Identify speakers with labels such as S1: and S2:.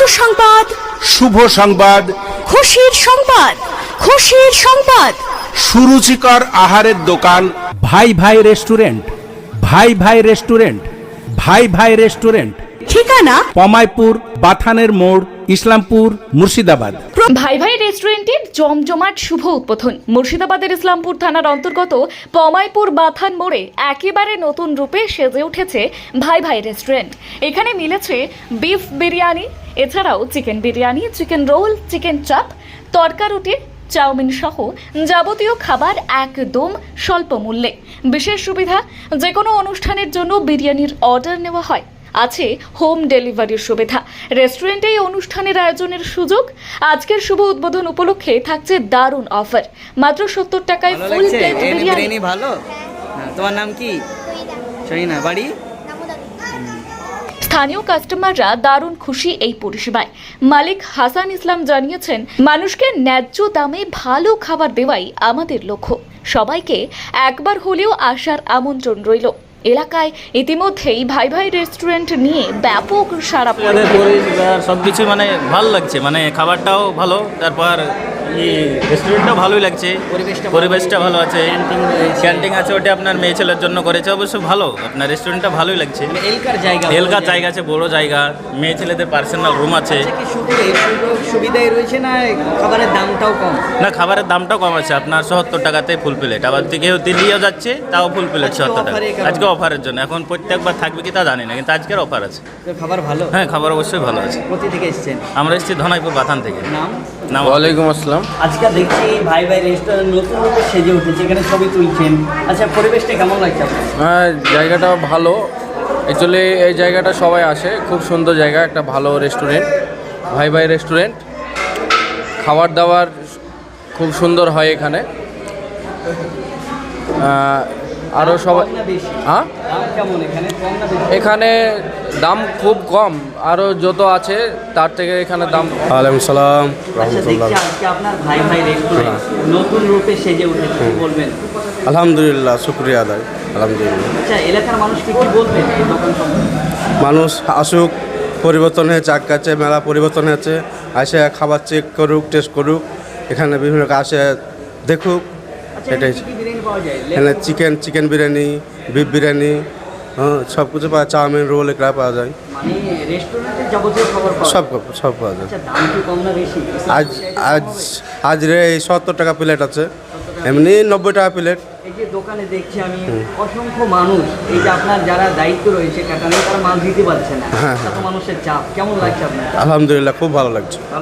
S1: সংবাদ,
S2: শুভ সংবাদ,
S1: খুশির সংবাদ, খুশির সংবাদ।
S2: সুরুচিকর আহারের দোকান
S3: ভাই ভাই রেস্টুরেন্ট, ভাই ভাই রেস্টুরেন্ট, ভাই ভাই রেস্টুরেন্ট,
S1: ঠিকানা
S3: পমাইপুর, বাথানের মোড়, ইসলামপুর, মুর্শিদাবাদ।
S4: ভাই ভাই রেস্টুরেন্টের জমজমাট শুভ উদ্বোধন মুর্শিদাবাদের ইসলামপুর থানার অন্তর্গত পমাইপুর বাথান মোড়ে একেবারে নতুন রূপে সেজে উঠেছে ভাই ভাই রেস্টুরেন্ট। এখানে মিলেছে বিফ বিরিয়ানি, এছাড়াও chicken biryani, chicken roll, chicken chaap, tadka রুটি, চাউমিন সহ যাবতীয় খাবার একদম স্বল্প মূল্যে। বিশেষ সুবিধা, যে কোনো অনুষ্ঠানের জন্য বিরিয়ানির অর্ডার নেওয়া হয়। আছে হোম ডেলিভারির সুবিধা। রেস্টুরেন্টে এই অনুষ্ঠানের আয়োজনের সুযোগ। আজকের শুভ উদ্বোধন উপলক্ষে থাকছে দারুণ অফার। মাত্র 70 টাকায় ফুল প্লেট বিরিয়ানি।
S5: ভালো। তোমার নাম কি? শহীনা। বাড়ি?
S4: স্থানীয় কাস্টমাররা দারুণ খুশি এই পরিষেবায়। মালিক হাসান ইসলাম জানিয়েছেন, মানুষকে ন্যায্য দামে ভালো খাবার দেওয়াই আমাদের লক্ষ্য। সবাইকে একবার হলেও আসার আমন্ত্রণ রইল। এলাকায় ইতিমধ্যেই ভাই ভাই রেস্টুরেন্ট নিয়ে ব্যাপক সাড়া পড়েছে।
S6: সবকিছু মানে ভালো লাগছে, মানে খাবারটাও ভালো, তারপর রেস্টুরেন্টটাও ভালোই লাগছে, পরিবেশটা ভালো আছে, ক্যান্টিন আছে, ওটা আপনার মেয়ে ছেলের জন্য করেছে, অবশ্য ভালো। আপনার রেস্টুরেন্টটা ভালোই লাগছে, এলকার জায়গা আছে, বড় জায়গা, মেয়ে ছেলেদের পার্সোনাল রুম আছে।
S5: সুবিধাই রয়েছে না খাবারের দামটাও কম?
S6: না, খাবারের দামটাও কম আছে, আপনার 70 টাকাতে ফুল প্লেট। আবার কেউ দিল্লিও যাচ্ছে, তাও ফুল প্লেট 70 টাকা। আজকে অফারের জন্য, এখন প্রত্যেকবার থাকবে কি তা জানি না, কিন্তু আজকের অফার আছে।
S5: খাবার ভালো?
S6: হ্যাঁ, খাবার অবশ্যই ভালো আছে।
S5: কোথা থেকে এসেছেন?
S6: আমরা এসেছি ধনাইপুর বাথান থেকে।
S5: নাম?
S6: ওয়ালাইকুম আসসালাম।
S5: আজকে দেখছি ভাই ভাই রেস্টুরেন্ট নতুন রূপে সেজে উঠেছে, এখানে ছবি তুলছেন। আচ্ছা, পরিবেশটা কেমন লাগছে আপনার?
S7: হ্যাঁ, জায়গাটা ভালো। অ্যাকচুয়ালি এই জায়গাটা সবাই আসে, খুব সুন্দর জায়গা, একটা ভালো রেস্টুরেন্ট, ভাই ভাই রেস্টুরেন্ট। খাবার দাবার খুব সুন্দর হয় এখানে। আরও সবাই হ্যাঁ,
S5: কেমন এখানে? কম না বেশি?
S7: এখানে দাম খুব কম, আরও যত আছে তার থেকে এখানে দাম।
S8: ওয়ালাইকুম সালাম
S5: আচ্ছা, দেখছি আজকে আপনার ভাই ভাই রেস্টুরেন্ট নতুন রূপে সেজে উঠেছে, কি বলবেন?
S8: আলহামদুলিল্লাহ, শুক্রিয়া আদায়, আলহামদুলিল্লাহ।
S5: আচ্ছা, এলাকার মানুষকে কি বলবেন এই দোকান সম্পর্কে?
S8: মানুষ আসুক, পরিবর্তন হয়েছে, আগাচ্ছে, মেলা পরিবর্তন হয়েছে, আসে খাবার চেক করুক, টেস্ট করুক, এখানে বিভিন্ন আসে দেখুক।
S5: আচ্ছা,
S8: এটাই
S5: কি কি বিরিয়ানি পাওয়া যায়?
S8: এখানে চিকেন বিরিয়ানি, বিফ বিরিয়ানি, হ্যাঁ, সব কিছু পাওয়া, চাউমিন, রোল এগুলো পাওয়া যায়।
S5: মানে রেস্টুরেন্টের যাবতীয় খাবার পাওয়া
S8: সব
S5: যায়?
S8: সব পাওয়া যায়।
S5: আচ্ছা, দাম কি কম না বেশি?
S8: আজ আজ আজ রে এই 70 টাকা প্লেট আছে, এমনি 90 টাকা প্লেট।
S5: এই যে দোকানে দেখছি আমি অসংখ্য মানুষ, এই যে আপনার যারা দায়িত্ব রয়েছে কাটানো, তারা মাল দিতে পারছে না,
S8: হ্যাঁ,
S5: এত মানুষের চাপ, কেমন লাগছে আপনার?
S8: আলহামদুলিল্লাহ, খুব ভালো লাগছে।